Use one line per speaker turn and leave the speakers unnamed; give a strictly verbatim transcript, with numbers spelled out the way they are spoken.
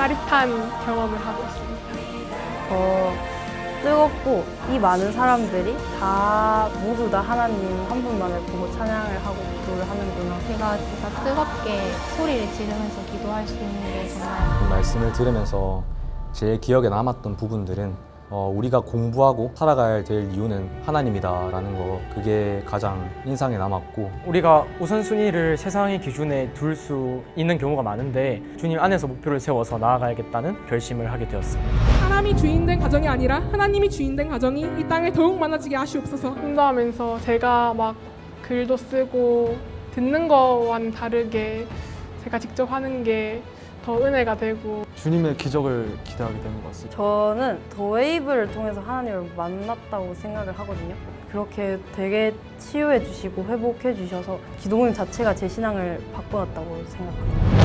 짜릿한 경험을 하고 있습니다.
더 뜨겁고 이 많은 사람들이 다 모두 다 하나님 한 분만을 보고 찬양을 하고 기도를 하는구나.
제가 진짜 뜨겁게 소리를 지르면서 기도할 수 있는 게 정말
이 말씀을 들으면서 제일 기억에 남았던 부분들은 어, 우리가 공부하고 살아가야 될 이유는 하나님이다라는 거, 그게 가장 인상에 남았고,
우리가 우선순위를 세상의 기준에 둘 수 있는 경우가 많은데 주님 안에서 목표를 세워서 나아가야겠다는 결심을 하게 되었습니다.
사람이 주인된 가정이 아니라 하나님이 주인된 가정이 이 땅에 더욱 많아지게 하시옵소서.
공부하면서 제가 막 글도 쓰고 듣는 거와는 다르게 제가 직접 하는 게 더 은혜가 되고
주님의 기적을 기대하게 되는 것 같습니다.
저는 더 웨이브를 통해서 하나님을 만났다고 생각을 하거든요. 그렇게 되게 치유해 주시고 회복해 주셔서 기도모임 자체가 제 신앙을 바꿔놨다고 생각합니다.